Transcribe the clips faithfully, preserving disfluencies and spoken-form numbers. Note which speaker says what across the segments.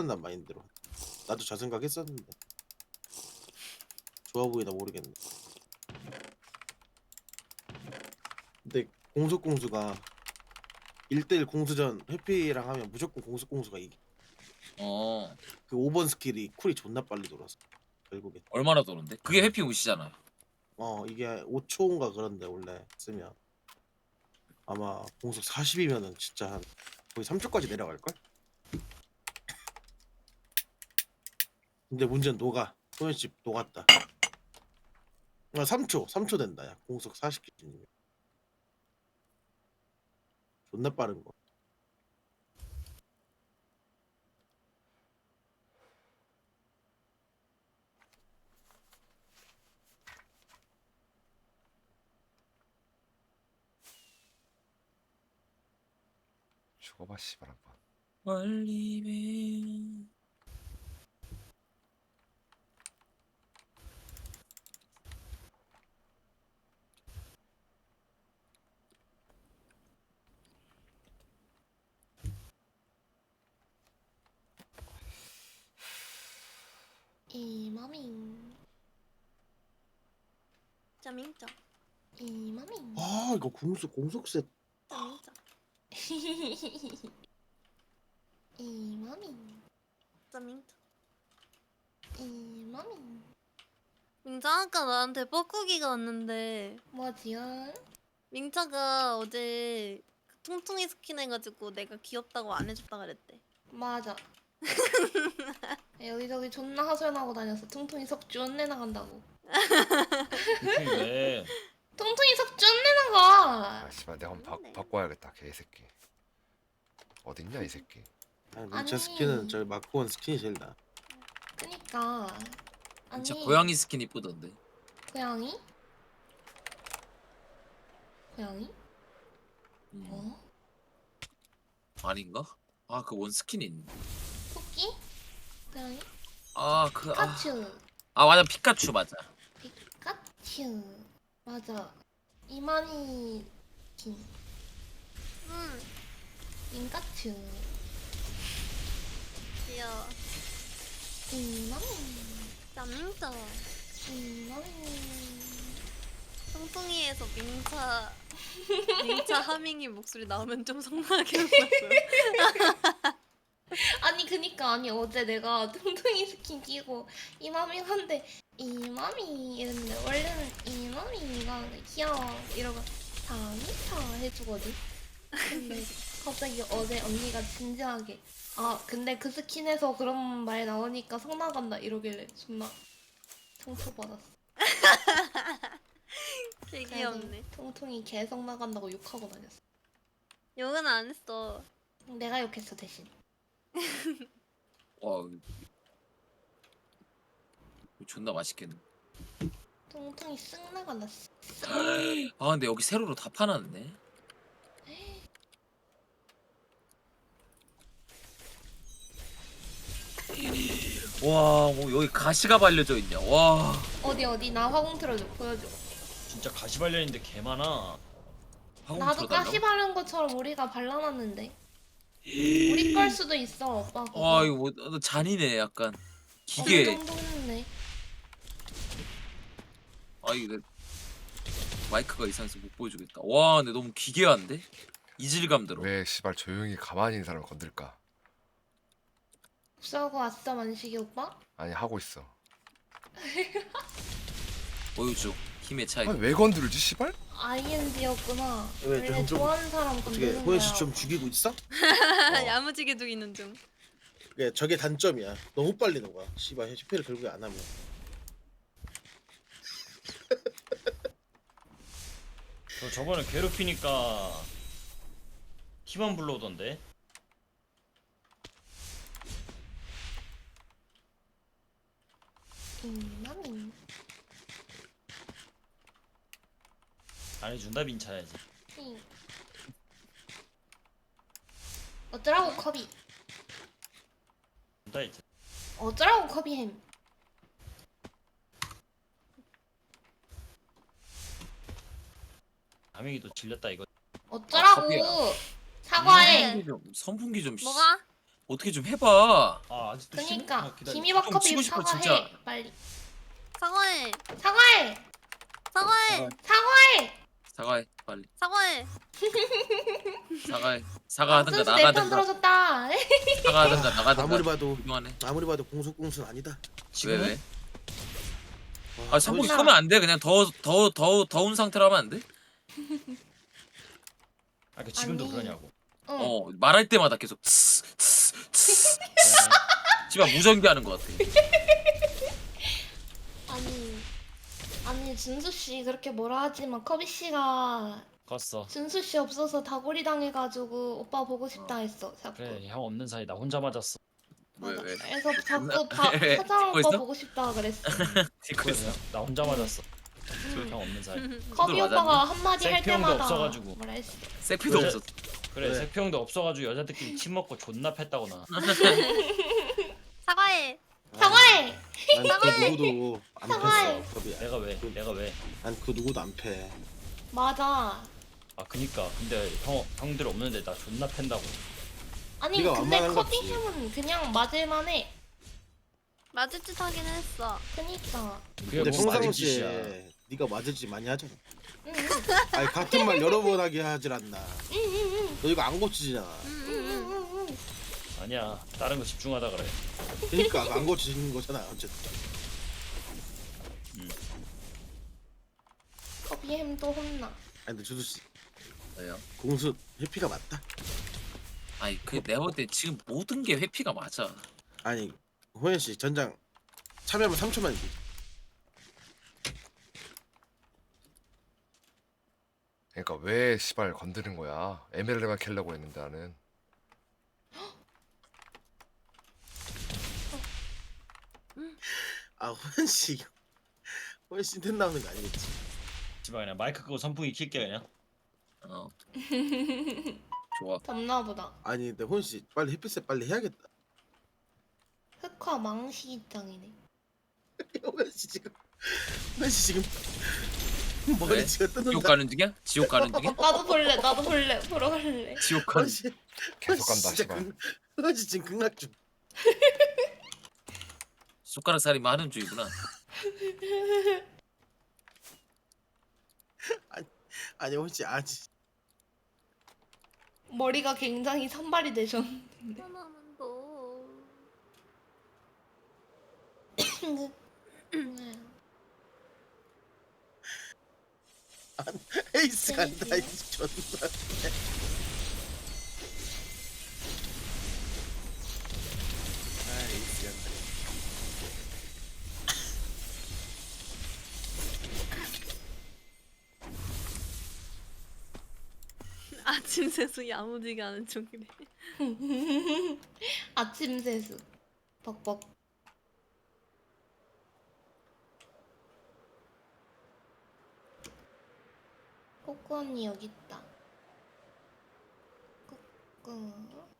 Speaker 1: 괜찮단 마인드로. 나도 저 생각했었는데 좋아 보이나 모르겠네. 근데 공속 공수가 일 대일 공수전 해피랑 하면 무조건 공속 공수가 이기.
Speaker 2: 어
Speaker 1: 그 오 번 스킬이 쿨이 존나 빨리 돌아서 결국에.
Speaker 2: 얼마나 도는데? 그게 해피 우시잖아요.
Speaker 1: 어 이게 오 초인가 그런데 원래 쓰면 아마 공속 사십이면은 진짜 한 거의 삼 초까지 내려갈걸? 근데 문제는 녹아. 소연씨 녹았다. 아 삼 초 삼 초 된다. 야 공속 사십 기준이면 존나 빠른 거.
Speaker 3: 죽어봐 씨발 한번.
Speaker 2: 멀리면
Speaker 4: 이마밍
Speaker 5: 짜밍짜
Speaker 4: 이마밍
Speaker 1: 아 이거 공속 공속셋.
Speaker 5: 짜밍짜
Speaker 4: 이마밍
Speaker 5: 짜밍짜.
Speaker 4: 이마밍
Speaker 5: 민자 아까 나한테 뻐꾸기가 왔는데
Speaker 4: 뭐지요?
Speaker 5: 민차가 어제 그 통통이 스킨 해가지고 내가 귀엽다고 안 해줬다 그랬대.
Speaker 4: 맞아. 여기저기 존나 하소연하고 다녔어. 퉁퉁이 석주 언내 나간다고.
Speaker 6: 퉁퉁이 왜?
Speaker 4: 퉁퉁이 석주 언내 나가.
Speaker 3: 아 씨발 내가 한번
Speaker 5: 맞네.
Speaker 3: 바, 바꿔야겠다 개새끼. 어딨냐 이 새끼.
Speaker 1: 아니 민차
Speaker 4: 아니.
Speaker 1: 스킨은 저 마크 원 스킨이 제일 나.
Speaker 4: 그니까. 아니.
Speaker 2: 진짜 고양이 스킨 이쁘던데.
Speaker 4: 고양이? 고양이?
Speaker 2: 음.
Speaker 4: 어?
Speaker 2: 아닌가? 아 그 원 스킨이 있네.
Speaker 4: 토끼? 고양이?
Speaker 2: 아그 아,
Speaker 4: 피카츄.
Speaker 2: 아 맞아 피카츄 맞아.
Speaker 4: 피카츄. 맞아. 이만희 긴.
Speaker 5: 응
Speaker 4: 민카츄.
Speaker 5: 귀여워.
Speaker 4: 이마밍.
Speaker 5: 짜밍짜.
Speaker 4: 이마밍.
Speaker 5: 통통이에서 민차 민차 하밍이 목소리 나오면 좀 성나게 웃었어.
Speaker 4: 아니 그니까 아니 어제 내가 퉁퉁이 스킨 끼고 이마밍 한데 이마밍 이랬는데 원래는 이마밍이가 귀여워 이러고 다미타 해주거든. 근데 갑자기 어제 언니가 진지하게 아 근데 그 스킨에서 그런 말 나오니까 성 나간다 이러길래 존나 상처받았어.
Speaker 5: 되게
Speaker 4: 그래서
Speaker 5: 귀엽네.
Speaker 4: 통통이 개성 나간다고 욕하고 다녔어.
Speaker 5: 욕은 안 했어.
Speaker 4: 내가 욕했어 대신.
Speaker 2: 와 이거 존나 맛있겠네.
Speaker 4: 통통이 쓱 나간다. 쓱.
Speaker 2: 아 근데 여기 세로로 다 파놨네. 와 뭐 여기 가시가 발려져 있냐. 와
Speaker 4: 어디 어디 나 화공 틀어줘 보여줘.
Speaker 6: 진짜 가시 발려있는데 개 많아.
Speaker 2: 화공
Speaker 4: 나도
Speaker 2: 틀어달라고?
Speaker 4: 가시 바른 것처럼 우리가 발라놨는데 우리 걸 수도 있어 오빠 그거.
Speaker 2: 와 이거 뭐 어, 잔이네 약간 기계.
Speaker 4: 어느 정도 했네.
Speaker 2: 아 이거 내 마이크가 이상해서 못 보여주겠다. 와 근데 너무 기괴한데? 이질감 들어.
Speaker 3: 왜 씨발 조용히 가만히 있는 사람을 건들까?
Speaker 4: 싸우고 왔어 만식이 오빠?
Speaker 3: 아니 하고 있어.
Speaker 2: 보여줘 힘의 차이.
Speaker 3: 아니 왜 건들지 씨발?
Speaker 4: 아이엔지였구나.
Speaker 1: 왜,
Speaker 4: 원래
Speaker 1: 좀- 좀-
Speaker 4: 좋아하는 사람
Speaker 1: 어떻게
Speaker 4: 건드는
Speaker 1: 호연 씨
Speaker 4: 거야.
Speaker 1: 좀 죽이고 있어?
Speaker 5: 야무지게 죽이는 중.
Speaker 1: 그게 저게 단점이야. 너무 빨리 녹아. 씨발 해피를 결국에 안 하면.
Speaker 6: 저 저번에 괴롭히니까 피만 불러오던데.
Speaker 4: 이마밍.
Speaker 6: 안 해준다 민차야지.
Speaker 4: 응. 어쩌라고 커비.
Speaker 6: 준다 이제.
Speaker 4: 어쩌라고 커비햄.
Speaker 6: 가명이 또 질렸다 이거.
Speaker 4: 어쩌라고.
Speaker 2: 커비야.
Speaker 4: 사과해.
Speaker 2: 선풍기 좀 선풍기 좀 씨.
Speaker 5: 뭐가?
Speaker 2: 어떻게 좀 해봐.
Speaker 6: 아 아직도 싫어?
Speaker 4: 그니까
Speaker 6: 아, 기다려.
Speaker 4: 김이박
Speaker 2: 좀
Speaker 4: 커피
Speaker 2: 치고 싶어,
Speaker 4: 사과해
Speaker 2: 진짜.
Speaker 4: 빨리.
Speaker 5: 사과해.
Speaker 4: 사과해.
Speaker 5: 사과해.
Speaker 4: 사과해.
Speaker 2: 사과해 빨리.
Speaker 5: 사과해.
Speaker 2: 사과해. 사과하든가
Speaker 4: 순수 내편
Speaker 2: 나가든가.
Speaker 4: 들어줬다.
Speaker 2: 사과하든가 나가든가.
Speaker 1: 아무리 봐도
Speaker 2: 그동안에.
Speaker 1: 아무리 봐도 공속공순 아니다.
Speaker 2: 왜
Speaker 6: 지금은?
Speaker 2: 왜?
Speaker 1: 와,
Speaker 2: 아 상복이
Speaker 4: 혼나.
Speaker 2: 쏘면 안 돼. 그냥 더 더 더 더운 상태로 하면 안 돼?
Speaker 6: 아 그 지금도
Speaker 4: 아니.
Speaker 6: 그러냐고.
Speaker 4: 응.
Speaker 2: 어 말할 때마다 계속 츠, 츠, 츠. 집안 무전기 하는 것 같아.
Speaker 4: 아니 아니 준수 씨 그렇게 뭐라 하지만 커비 씨가
Speaker 6: 컸어.
Speaker 4: 준수 씨 없어서 다구리 당해가지고 오빠 보고 싶다 했어 자꾸.
Speaker 6: 그래 형 없는 사이 나 혼자 맞았어.
Speaker 2: 왜
Speaker 4: 맞아.
Speaker 2: 왜?
Speaker 4: 그래서 자꾸 다
Speaker 2: 왜?
Speaker 4: 사장
Speaker 2: 듣고
Speaker 4: 오빠
Speaker 2: 있어?
Speaker 4: 보고 싶다 그랬어.
Speaker 2: 듣고 있어.
Speaker 6: 나 혼자 맞았어.
Speaker 4: 응.
Speaker 6: 형 없는 사이.
Speaker 4: 커비
Speaker 2: 맞았니?
Speaker 4: 오빠가 한마디 할
Speaker 6: 셀피 형도
Speaker 4: 때마다
Speaker 6: 없어가지고.
Speaker 4: 뭐라 했어.
Speaker 2: 세피도
Speaker 6: 그래.
Speaker 2: 없었어.
Speaker 6: 그래
Speaker 1: 네.
Speaker 6: 세표 형도 없어가지고 여자들끼리 침 먹고 존나 팼다고 나.
Speaker 5: 사과해.
Speaker 4: 사과해.
Speaker 1: 난그 누구도 안
Speaker 4: 사과해.
Speaker 1: 팼어. 겁이야.
Speaker 6: 내가 왜? 내가 왜?
Speaker 1: 난 그 누구도 안 패.
Speaker 4: 맞아.
Speaker 6: 아 그니까 근데 형 형들 없는데 나 존나 팬다고.
Speaker 4: 아니
Speaker 1: 네가
Speaker 4: 근데
Speaker 1: 완만한
Speaker 4: 커비
Speaker 1: 거지.
Speaker 4: 형은 그냥 맞을만해.
Speaker 5: 맞을 듯 하긴 했어.
Speaker 4: 그니까.
Speaker 6: 그게
Speaker 1: 근데
Speaker 6: 뭐 맞은
Speaker 1: 평상시에
Speaker 6: 짓이야.
Speaker 1: 네가 맞을 짓 많이 하잖아.
Speaker 4: 응,
Speaker 1: 아니 같은 말 여러 번 하게 하질 않나.
Speaker 4: 응, 응,
Speaker 1: 너 이거 안 고치잖아.
Speaker 5: 응,
Speaker 4: 응,
Speaker 5: 응,
Speaker 4: 응, 응, 응.
Speaker 6: 아니야 다른 거 집중하다 그래.
Speaker 1: 그러니까 안 고치는 거잖아 어쨌든.
Speaker 4: 커비 햄도 혼나.
Speaker 1: 아니 근데 주수 씨
Speaker 2: 왜요?
Speaker 1: 공수 회피가 맞다.
Speaker 2: 아니 그 내가 볼 때 지금 모든 게 회피가 맞아.
Speaker 1: 아니 호연 씨 전장 참여하면 삼 초만 이기.
Speaker 3: 그러니까 왜 시발 건드는 거야? 에메랄드만 캘려고 했는데 나는.
Speaker 1: 아 호연 씨 호연 씨 텐 나오는 거 아니겠지?
Speaker 6: 집에 그냥 마이크 끄고 선풍기 킬게 그냥.
Speaker 2: 어. 좋아.
Speaker 4: 덥나 보다.
Speaker 1: 아니 근데 호연 씨 빨리 햇빛에 빨리 해야겠다.
Speaker 4: 흑화 망시 입장이네.
Speaker 1: 호연 씨 지금 호연 씨 지금
Speaker 2: 왜?
Speaker 1: 머리 지금
Speaker 2: 지옥
Speaker 1: 뜯는다.
Speaker 2: 가는 중이야? 지옥 가는 중이야?
Speaker 4: 나도 볼래. 나도 볼래. 보러 갈래.
Speaker 2: 지옥 가는.
Speaker 1: 호연 씨
Speaker 3: 계속 간다
Speaker 1: 진짜
Speaker 3: 시발.
Speaker 1: 극- 호연 씨 지금 극락 중.
Speaker 2: 숟가락 살이만 하는 중이구나.
Speaker 1: 아니 호연 씨 아니
Speaker 4: 머리가 굉장히 산발이 되셨.
Speaker 5: 하나만 더.
Speaker 1: 에이스 간다
Speaker 4: 재밌지?
Speaker 1: 에이스 존나. 아 에이스 간다.
Speaker 5: 아침 세수 야무지게 하는 중이래.
Speaker 4: 아침 세수. 벅벅. 코코 언니 여기 있다. 코코.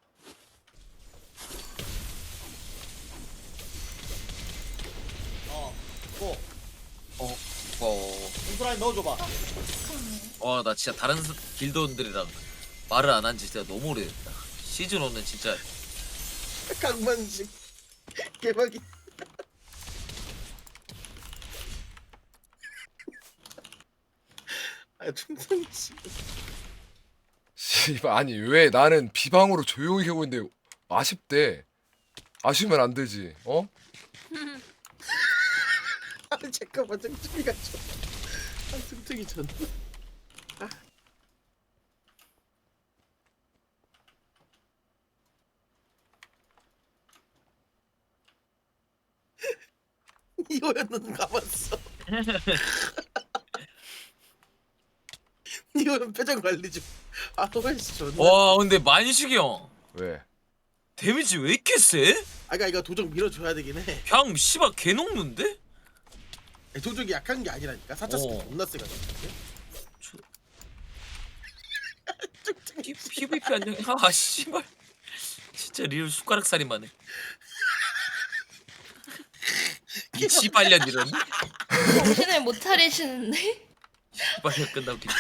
Speaker 1: 어. 고.
Speaker 2: 어.
Speaker 1: 인프라인 넣어줘봐.
Speaker 2: 와 나 진짜 다른 스- 길드원들이랑 말을 안 한 지 진짜 너무 오래됐다. 시즌 일은 진짜
Speaker 1: 강만식 개박이. 아 충성 씨.
Speaker 3: 씨발 아니 왜 나는 비방으로 조용히 하고 있는데 아쉽대. 아쉬우면 안 되지. 어?
Speaker 1: 아 잠깐만 승특이가 좀. 아 승특이 전. 아. 이호연은 가봤어. 이호연 표정 관리 좀. 아 호연씨 존나.
Speaker 2: 와 근데 만식이 형
Speaker 3: 왜?
Speaker 2: 데미지 왜 이렇게 세?
Speaker 1: 아까 이거 도적 밀어줘야 되긴 해.
Speaker 2: 그냥 씨발 개 녹는데?
Speaker 1: 아니, 도적이 약한 게 아니라니까. 사차 스킬
Speaker 2: 어.
Speaker 1: 존나 세가지고.
Speaker 2: 피- 피브이피 안녕. 아 씨발 진짜 리얼 숟가락 살이만 해. 이 씨발년 이런
Speaker 4: 정신을 못 차리시는데?
Speaker 2: 씨발년 끝나고 기-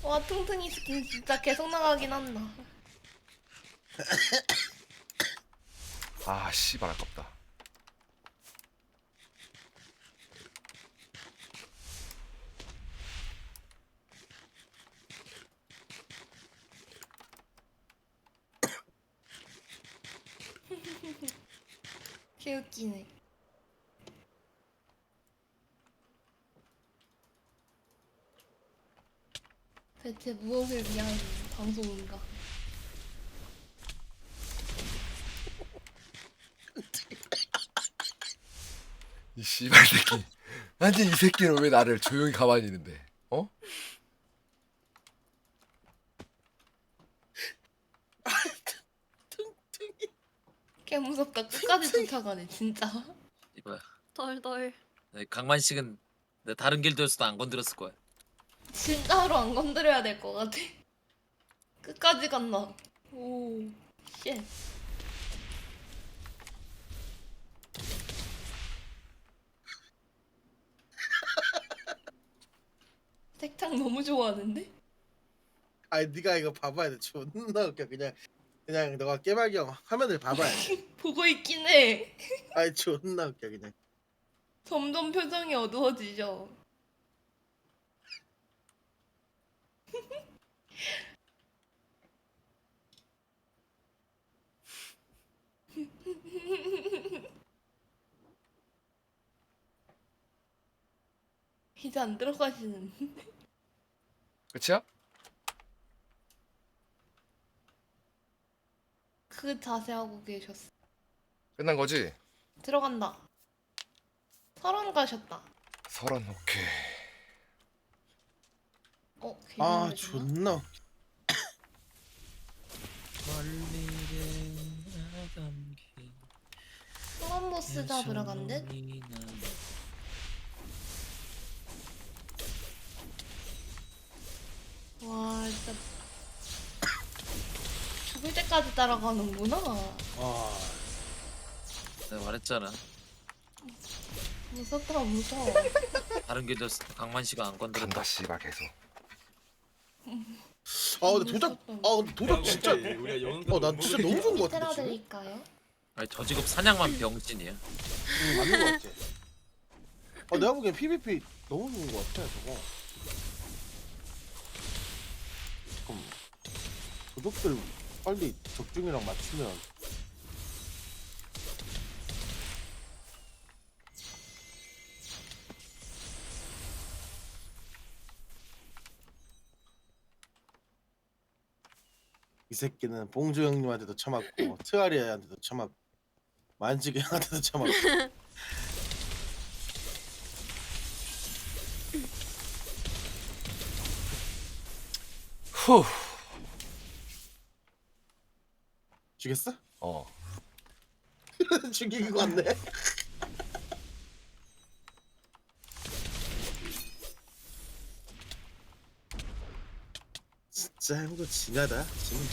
Speaker 4: 와 퉁퉁이 스킨 진짜 계속 나가긴 한다.
Speaker 3: 아 씨발 아깝다.
Speaker 4: 개웃기네. 대체 무엇을 위한 방송인가?
Speaker 3: 이 씨발 새끼. 아니 이 새끼는 왜 나를 조용히 가만히 있는데? 어?
Speaker 4: 개 무섭다. 끝까지 쫓아가네 진짜.
Speaker 2: 이봐야.
Speaker 5: 덜덜.
Speaker 2: 네, 강만식은 내 다른 길드였어도 안 건드렸을 거야.
Speaker 4: 진짜로 안 건드려야 될 것 같아. 끝까지 갔나? 오, 쉣. 색창 너무 좋아하는데?
Speaker 1: 아니 네가 이거 봐봐야 돼. 존나 웃겨. 그냥 그냥 너가 깨발경 화면을 봐봐야 돼.
Speaker 4: 보고 있긴 해.
Speaker 1: 아니 존나 웃겨 그냥.
Speaker 4: 점점 표정이 어두워지죠. 이제 안 들어가시는.
Speaker 3: 끝이야?
Speaker 4: 그 자세 하고 계셨어.
Speaker 3: 끝난 거지?
Speaker 4: 들어간다. 서른 가셨다.
Speaker 3: 서른 오케이.
Speaker 4: 어,
Speaker 1: 아
Speaker 4: 괜찮으시나?
Speaker 1: 존나. 웃겨.
Speaker 4: 소환 보스 잡으러 간 듯? 와, 진짜 죽을 때까지 따라가는구나.
Speaker 1: 아
Speaker 2: 내가 말했잖아.
Speaker 4: 무섭다, 무서워.
Speaker 2: 다른 길드였을 때 강만식은 안 건드렸다.
Speaker 3: 간다 씨발 계속.
Speaker 1: 아 근데 도적 아 근데 도적 진짜 어난 진짜 너무 좋은 거 같은데 지금.
Speaker 4: 드릴까요?
Speaker 2: 아니 저 직업 사냥만 병신이야.
Speaker 1: 응, 맞는 거 같아. 아 내가 보기엔 피브이피 너무 좋은 거 같아 저거. 잠깐만. 도적들 빨리 적중이랑 맞추면. 이 새끼는 봉주 형님한테도 처맞고 트아리아한테도 처맞고 만지기 형한테도 처맞고.
Speaker 3: 후.
Speaker 1: 죽였어?
Speaker 3: 어.
Speaker 1: 죽이는 거 같네. 진짜 형도 진하다. 지금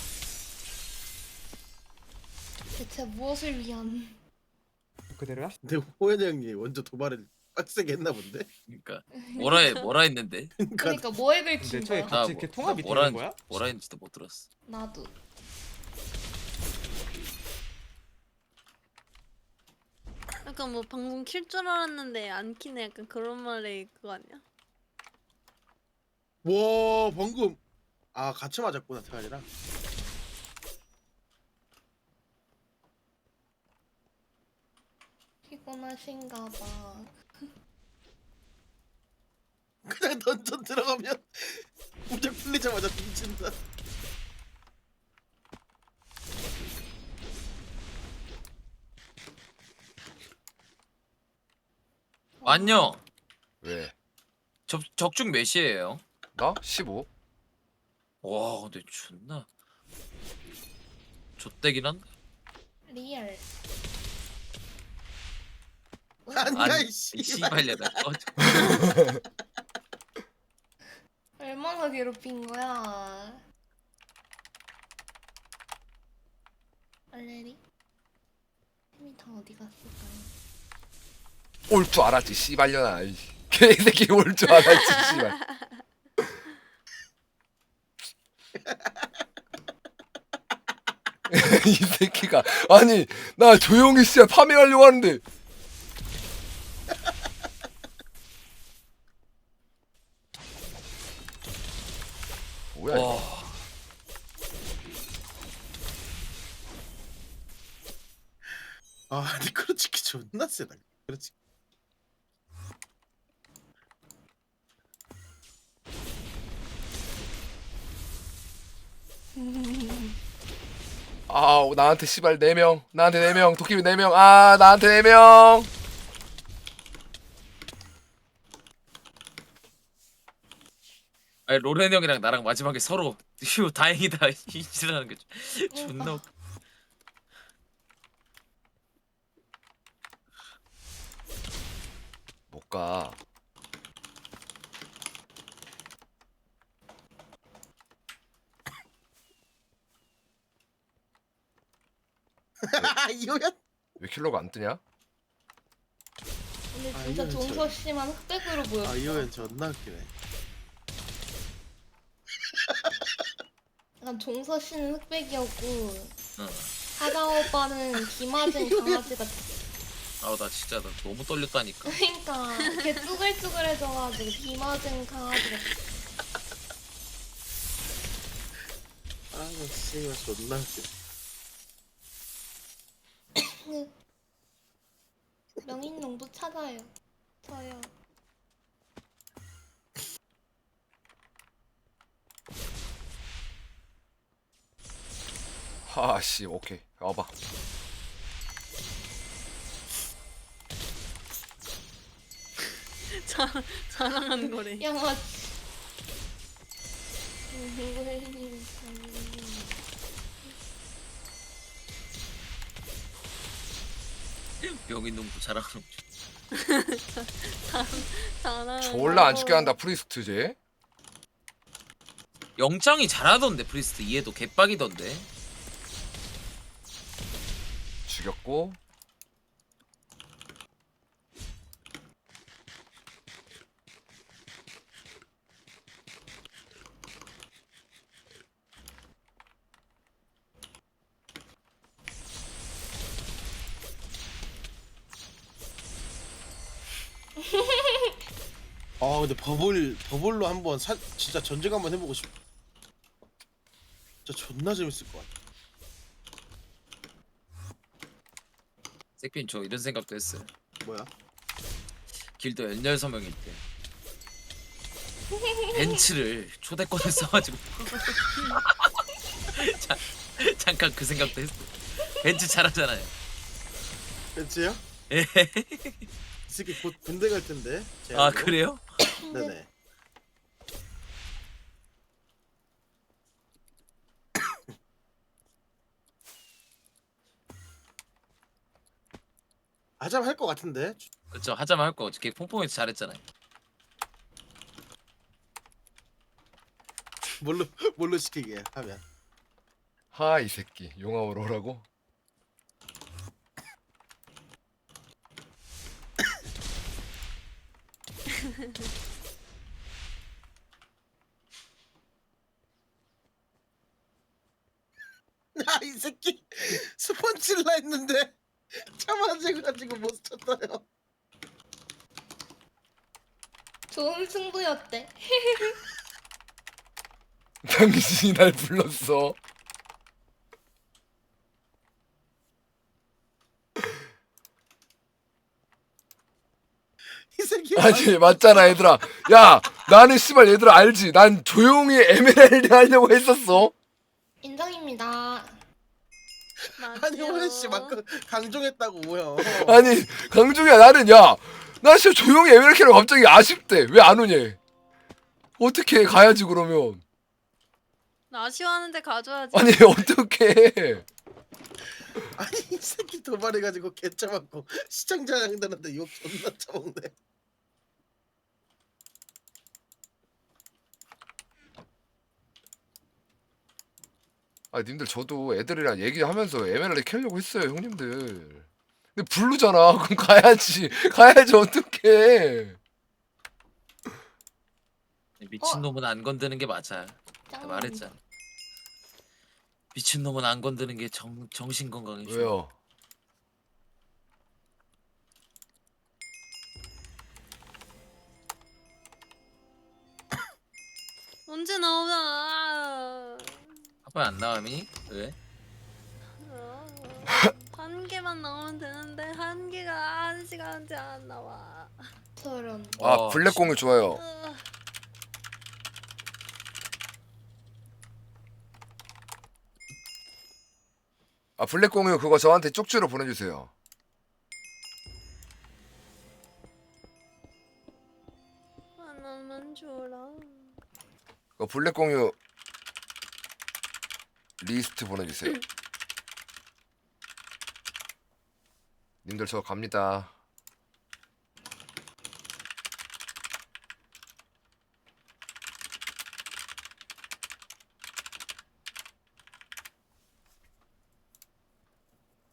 Speaker 4: 대체 무엇을 위한?
Speaker 7: 그대로야?
Speaker 1: 근데 호연이 형이 먼저 도발을 빡세게 했나 본데.
Speaker 2: 그러니까 뭐라 해, 뭐라 했는데?
Speaker 1: 그러니까
Speaker 4: 그러니까 뭐에 긁힌
Speaker 7: 근데 저희
Speaker 4: 거야?
Speaker 7: 같이
Speaker 2: 뭐-
Speaker 7: 이렇게 통합이
Speaker 2: 뭐라
Speaker 7: 되는
Speaker 2: 했는지-
Speaker 7: 거야?
Speaker 2: 뭐라 했는지도 못 들었어.
Speaker 4: 나도.
Speaker 5: 약간 뭐 방송 킬 줄 알았는데 안 키네. 약간 그런 말에 그거 아니야?
Speaker 1: 와 방금 아 같이 맞았구나 트아리랑.
Speaker 4: 피곤하신가 봐.
Speaker 1: 그냥 던전 들어가면 무적 풀리자마자 뒤진다.
Speaker 2: 안녕.
Speaker 3: 왜?
Speaker 2: 적 적중 몇이에요?
Speaker 3: 나? 십오.
Speaker 2: 와 근데 존나 좆대긴 한다.
Speaker 4: 리얼.
Speaker 1: 아니야
Speaker 2: 아니
Speaker 1: 이씨.
Speaker 2: 이 씨발려다.
Speaker 4: 얼마나 괴롭힌 거야? 알레리? 힘이 다 어디 갔을까요?
Speaker 3: 올 줄 알았지 씨발려나. 이 개새끼 올 줄 알았지 씨발. 이 새끼가 아니 나 조용히 씨야 파밍하려고 하는데 뭐야 이거.
Speaker 2: 와.
Speaker 1: 아 니크로치키 존나 세다. 그렇지.
Speaker 3: 아 나한테 씨발 네 명 나한테 네 명 도깨비 네 명 아 나한테 네 명
Speaker 2: 아니 로렌 형이랑 나랑 마지막에 서로 휴 다행이다 이지라는 게 존나 웃겨.
Speaker 3: 못가
Speaker 1: 이호연.
Speaker 3: 왜 킬러가 안 뜨냐?
Speaker 4: 근데
Speaker 1: 아,
Speaker 4: 진짜
Speaker 1: 이거는
Speaker 4: 종서 씨만 흑백으로 보였어.
Speaker 1: 아 이호연 존나 웃기네.
Speaker 4: 약간 종서 씨는 흑백이었고
Speaker 2: 응.
Speaker 4: 하다 오빠는 비 맞은 강아지 같아.
Speaker 2: 아우 나 진짜 나 너무 떨렸다니까.
Speaker 4: 그러니까 걔 쭈글쭈글해져가지고 비 맞은 강아지 같아.
Speaker 1: 아나 씨발 존나 웃기네.
Speaker 4: 명인 농부 찾아요. 저요.
Speaker 3: 하씨 오케이 와봐
Speaker 5: 자, 자랑하는 거래.
Speaker 4: 양아치. 누구의
Speaker 2: 명인농부 자랑하는 거.
Speaker 5: 자랑.
Speaker 3: 졸라 안 죽게 한다 프리스트 쟤
Speaker 2: 영장이 잘하던데 프리스트 이해도 개빡이던데.
Speaker 3: 죽였고
Speaker 1: 아 근데 버블 버블로 한번 사, 진짜 전쟁 한번 해보고 싶어. 진짜 존나 재밌을 것 같아.
Speaker 2: 세균 저 이런 생각도 했어요.
Speaker 1: 뭐야?
Speaker 2: 길드 열여섯 명일 때 벤츠를 초대권을 써가지고 자, 잠깐 그 생각도 했어. 벤츠 잘하잖아요.
Speaker 1: 벤츠야?
Speaker 2: 예.
Speaker 1: 이 새끼 곧 군대 갈 텐데.
Speaker 2: 아
Speaker 1: 제안으로.
Speaker 2: 그래요?
Speaker 1: 네네. 하자면 할 것 같은데.
Speaker 2: 그렇죠. 하자면 할 거. 걔 퐁퐁에서 잘했잖아요.
Speaker 1: 뭘로 뭘로 시키게 하면.
Speaker 3: 하 이 새끼 용암으로 오라고
Speaker 1: 아 이 새끼 스펀지라 했는데 참아가지고 못 쳤어요.
Speaker 4: 좋은 승부였대.
Speaker 3: 당신이 날 불렀어
Speaker 1: 이 새끼.
Speaker 3: 아니 맞잖아 얘들아 야 나는 씨발 얘들아 알지 난 조용히 에메랄드 하려고 했었어
Speaker 4: 인정입니다.
Speaker 1: 아니 호연 씨 막그 강종했다고 뭐야.
Speaker 3: 아니 강중이야 나는 야나 진짜 조용히 에메랄드 하려고 갑자기 아쉽대 왜 안 오냐 어떻게 가야지 그러면
Speaker 5: 나 아쉬워하는데 가져야지.
Speaker 3: 아니 어떻게
Speaker 1: 아니 이 새끼 도발해가지고 개쳐맞고 시청자 양들한테 욕 존나 쳐먹네.
Speaker 3: 아 님들 저도 애들이랑 얘기하면서 에메랄드 캐려고 했어요 형님들 근데 블루잖아 그럼 가야지 가야지 어떡해
Speaker 2: 미친 놈은 안 건드는 게 맞아. 내가
Speaker 4: 짱.
Speaker 2: 말했잖아. 미친놈은 안 건드는 게 정, 정신 건강에 좋아.
Speaker 3: 왜요?
Speaker 5: 언제 나오나?
Speaker 2: 한번 안 나감이? 왜?
Speaker 5: 어, 한 개만 나오면 되는데 한 개가 한 시간째 안 나와.
Speaker 4: 저런.
Speaker 3: 아
Speaker 2: 와,
Speaker 3: 블랙 공유 좋아요.
Speaker 5: 어,
Speaker 3: 아 블랙 공유 그거 저한테 쪽지로 보내주세요.
Speaker 5: 하나만 줘라.
Speaker 3: 그 블랙 공유 리스트 보내주세요. 님들 저 갑니다.